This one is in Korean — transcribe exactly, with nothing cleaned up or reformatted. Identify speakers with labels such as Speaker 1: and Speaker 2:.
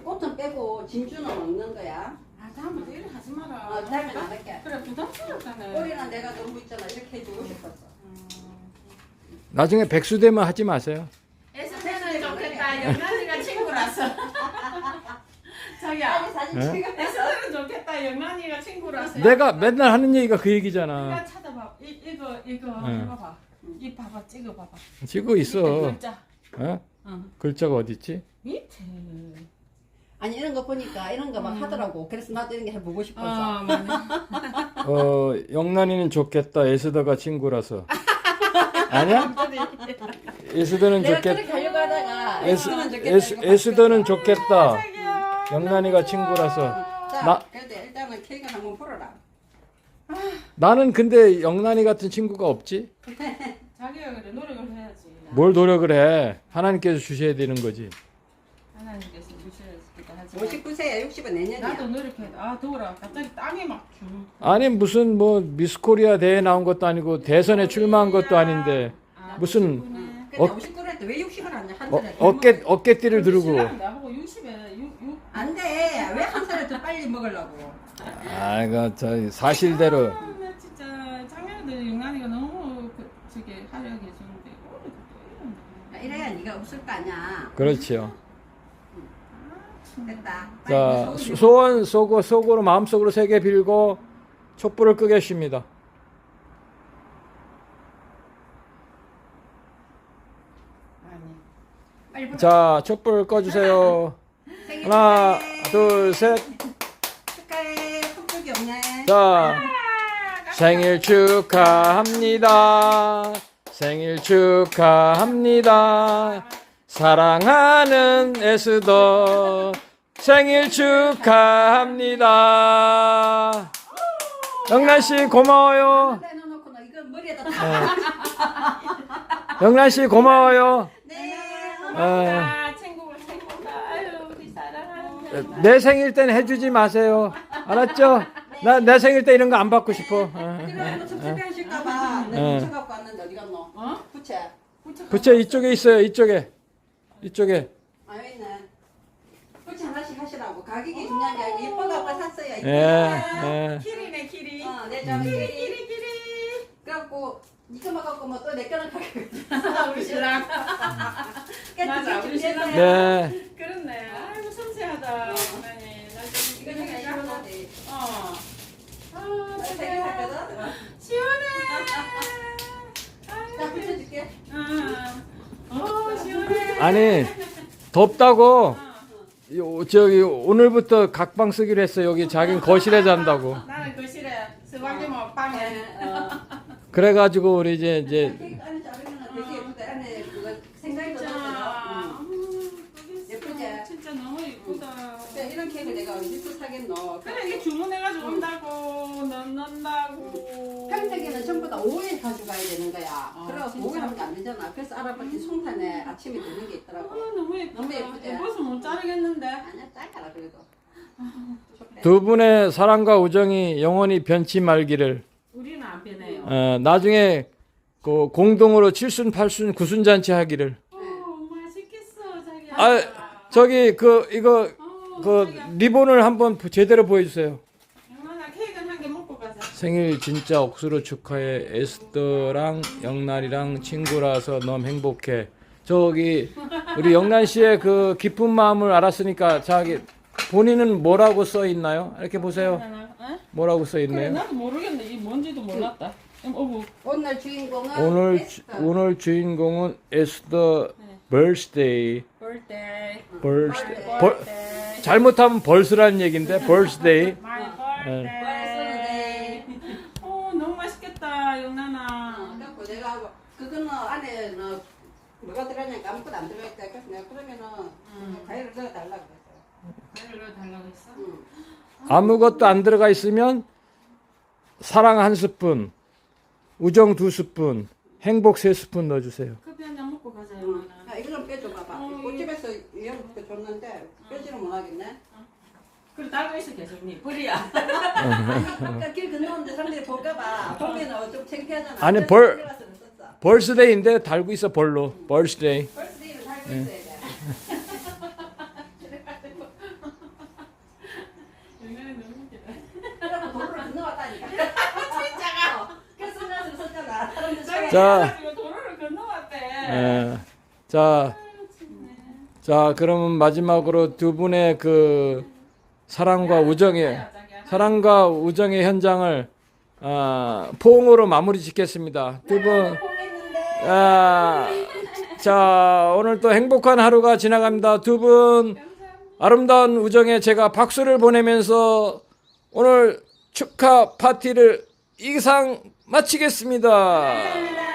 Speaker 1: 꽃은 빼고 진주는 먹는 거야.
Speaker 2: 아 다음부터 이래 하지 마라.
Speaker 1: 어, 다음엔 안 할게.
Speaker 2: 그래 부담스럽다네.
Speaker 1: 꼬리는 내가 너무 있잖아. 이렇게 해주고 싶었어.
Speaker 3: 나중에 백수 되면 하지 마세요.
Speaker 2: 에스테는 좋겠다. 영란이가 친구라서. 자기야.
Speaker 1: 빨리 사진
Speaker 3: 예?
Speaker 1: 찍어.
Speaker 2: 에스테는 좋겠다. 영란이가 친구라서.
Speaker 3: 내가 맨날 하는 얘기가 그 얘기잖아.
Speaker 2: 내가 찾아봐. 이 이거 이거
Speaker 3: 응.
Speaker 2: 이거 봐. 이 봐봐. 찍어 봐봐.
Speaker 3: 지고 있어.
Speaker 2: 밑에 글자.
Speaker 3: 어?
Speaker 2: 응.
Speaker 3: 글자가 어디 있지?
Speaker 2: 밑에.
Speaker 1: 아니 이런 거 보니까 이런 거 막
Speaker 2: 음.
Speaker 1: 하더라고. 그래서 나도 이런 게 해보고 싶었어.
Speaker 2: 어 맞네.
Speaker 3: 어, 영란이는 좋겠다. 에스더가 친구라서. 아니야? 에스더는
Speaker 1: 내가
Speaker 3: 좋겠다.
Speaker 1: 그렇게 하려고 하다가
Speaker 3: 에스,
Speaker 1: 에스더는 좋겠다.
Speaker 3: 에스,
Speaker 1: 이거
Speaker 3: 에스더는
Speaker 1: 바뀌었어.
Speaker 3: 좋겠다.
Speaker 2: 자기야.
Speaker 3: 영란이가 친구라서.
Speaker 1: 자,
Speaker 3: 나-
Speaker 1: 그래도 일단은 케이크 한번 풀어라.
Speaker 3: 나는 근데 영란이 같은 친구가 없지.
Speaker 2: 자기가 그래 노력을 해야지.
Speaker 3: 뭘 노력을 해. 하나님께서 주셔야 되는 거지.
Speaker 2: 하나님께서 주셔야지기도 하지.
Speaker 1: 오십구 세야 육십은 내년이야.
Speaker 2: 나도 노력해. 아 더워라. 갑자기 땀이 막 주.
Speaker 3: 아니 무슨 뭐 미스코리아 대회 나온 것도 아니고 대선에 출마한 것도 아닌데
Speaker 2: 아,
Speaker 3: 무슨
Speaker 2: 오십구네.
Speaker 1: 근데
Speaker 3: 어-
Speaker 1: 오십구 세인데 왜 육십을 하냐? 한
Speaker 3: 어,
Speaker 1: 살에 더
Speaker 3: 어깨
Speaker 1: 먹어.
Speaker 3: 어깨띠를 들고.
Speaker 2: 신랑 나보고 육십에 육 육.
Speaker 1: 안 돼. 왜 한 살에 더 빨리 먹으려고?
Speaker 3: 아 이거 저 사실대로.
Speaker 2: 아, 나 진짜 작년에도 영란이가 너무 그, 저기 하려고 해주는데 올해도 또 이런다.
Speaker 1: 이래야 네가 없을 거 아니야.
Speaker 3: 그렇지요.
Speaker 1: 됐다.
Speaker 3: 자
Speaker 1: 빨리
Speaker 3: 소- 소원 쏘고 속으로 마음속으로 세 개 빌고 촛불을 끄겠습니다.
Speaker 2: 아니.
Speaker 1: 빨리 불러.
Speaker 3: 자 촛불 꺼주세요.
Speaker 1: 생일
Speaker 3: 하나
Speaker 1: 축하해.
Speaker 3: 둘 셋.
Speaker 1: 축하해. 손톱이 없네.
Speaker 3: 자 생일 축하합니다. 생일 축하합니다. 사랑하는 에스더 생일 축하합니다. 영란 씨 고마워요.
Speaker 1: 내놓고 너 이거 머리에다
Speaker 3: 네.
Speaker 1: 다.
Speaker 3: 영란 씨 고마워요.
Speaker 1: 네.
Speaker 2: 아, 친구가 친구가 아유 우리 사랑하는.
Speaker 3: 내 생일 때는 해주지 마세요. 알았죠? 나 내 생일 때 이런 거 안 받고 싶어.
Speaker 1: 그래 너 섭섭해 하실까봐
Speaker 3: 네.
Speaker 1: 내가 부채 갖고 왔는데 어디 갔노?
Speaker 2: 어?
Speaker 1: 부채.
Speaker 3: 부채 이쪽에 있어요. 이쪽에. 이쪽에.
Speaker 1: 아 여기 있네. 부채 하나씩 하시라고. 가격이 중요한 게 아니고 예뻐갖고 샀어요.
Speaker 3: 예.
Speaker 1: 이쁘게.
Speaker 3: 예.
Speaker 2: 키리네 키리.
Speaker 1: 어, 내 점.
Speaker 2: 키리 키리 키리.
Speaker 1: 그래갖고 이거만 갖고 뭐 또 내 거는 가격.
Speaker 2: 아, 우리 신랑. 맞아, 우리 신랑.
Speaker 3: 네.
Speaker 2: 그렇네. 아이고 섬세하다. 어머니. 나 지금
Speaker 1: 이거
Speaker 2: 이거
Speaker 1: 내가
Speaker 2: 해가지고.
Speaker 1: 시원하지.
Speaker 2: 어. 아,
Speaker 1: 세개 샀거든.
Speaker 2: 시원해.
Speaker 1: 자 붙여줄게.
Speaker 2: 어, 어, 시원해.
Speaker 3: 아니 덥다고 요- 저기 오늘부터 각방 쓰기로 했어. 여기 자기는 거실에 잔다고.
Speaker 2: 나는 거실에 스방기 뭐 방에.
Speaker 1: 어.
Speaker 3: 그래가지고 우리 이제 이제
Speaker 1: 케이크 안에 자르면 되게 예쁘다. 안에 그거 생각이
Speaker 2: 진짜.
Speaker 1: 들어서.
Speaker 2: 음, 거기서
Speaker 1: 예쁘지?
Speaker 2: 진짜 너무 예쁘다.
Speaker 1: 이런 케이크 내가 어디서 사겠노?
Speaker 2: 그래 이게 주문해가지고 온다고 넣는다고.
Speaker 1: 평택에는 전부 다 오후에 가져가야 되는 거야.
Speaker 2: 아,
Speaker 1: 그래서
Speaker 2: 진짜?
Speaker 1: 오후에 하면 안 되잖아. 그래서 알아봤더니 송탄에 아침에 되는 게
Speaker 2: 아,
Speaker 1: 있더라고.
Speaker 2: 너무 예쁘다.
Speaker 1: 너무 예쁘지?
Speaker 2: 예뻐서 못 자르겠는데.
Speaker 1: 아니야, 짧아라 그래도. 좋대.
Speaker 3: 두 분의 사랑과 우정이 영원히 변치 말기를.
Speaker 2: 우리는 안 변해요.
Speaker 3: 어, 나중에 그 공동으로 칠순 팔순 구순 잔치 하기를.
Speaker 2: 어, 맛있겠어 자기야.
Speaker 3: 아 저기 그 이거
Speaker 2: 어,
Speaker 3: 그
Speaker 2: 자기야.
Speaker 3: 리본을 한번 제대로 보여주세요.
Speaker 2: 영란아 케이크 한 개 먹고 가자.
Speaker 3: 생일 진짜 억수로 축하해. 에스더랑 영란이랑 친구라서 너무 행복해. 저기 우리 영란 씨의 그 깊은 마음을 알았으니까 자기 본인은 뭐라고 써 있나요? 이렇게 보세요.
Speaker 2: 어?
Speaker 3: 뭐라고 써
Speaker 2: 그래
Speaker 3: 있네요.
Speaker 2: 나도 모르겠네. 이 뭔지도 몰랐다. 음, 어부.
Speaker 1: 오늘 주인공은
Speaker 3: 오늘
Speaker 1: 에스터.
Speaker 3: 주, 오늘 주인공은 에스더
Speaker 2: 네.
Speaker 3: birthday.
Speaker 2: birthday.
Speaker 3: birthday.
Speaker 1: birthday.
Speaker 3: 벌, 잘못하면 벌스라는 얘기인데 birthday.
Speaker 2: My
Speaker 1: birthday.
Speaker 2: birthday. 어 너무 맛있겠다 영란아.
Speaker 1: 그래갖고 내가 그거는 안에 너 뭐가 들어가냐니까 아무것도 안 들어있다. 그래서 내가 그러면은
Speaker 2: 음.
Speaker 1: 과일을 넣어달라 그랬어.
Speaker 2: 과일을 달라고 했어?
Speaker 1: 응.
Speaker 3: 아무것도 안 들어가 있으면 사랑 한 스푼, 우정 두 스푼, 행복 세 스푼 넣어주세요.
Speaker 2: 커피 한 잔 먹고 가자 영란아.
Speaker 1: 야, 이거 좀 빼줘 봐봐.
Speaker 2: 어,
Speaker 1: 꽃집에서 이런 거 줬는데 빼지는 못하겠네.
Speaker 2: 그래 달고 있어 계속 니 뿌리야.
Speaker 1: 아까 길 건너는데 사람들이 볼까봐 보면은 좀 창피하잖아.
Speaker 3: 아니,
Speaker 1: 그래서
Speaker 3: 벌-
Speaker 1: 들어가서 썼어.
Speaker 3: 벌스데이인데 달고 있어 벌로. 벌스데이.
Speaker 1: 벌스데이를 달고 있어야 돼.
Speaker 3: 자,
Speaker 2: 이거 도로를 건너왔대.
Speaker 3: 예. 자, 자, 그러면 마지막으로 두 분의 그 사랑과 우정의 사랑과 우정의 현장을 아, 포옹으로 마무리 짓겠습니다. 두 분, 아, 자, 오늘 또 행복한 하루가 지나갑니다. 두 분 아름다운 우정에 제가 박수를 보내면서 오늘 축하 파티를 이상 마치겠습니다.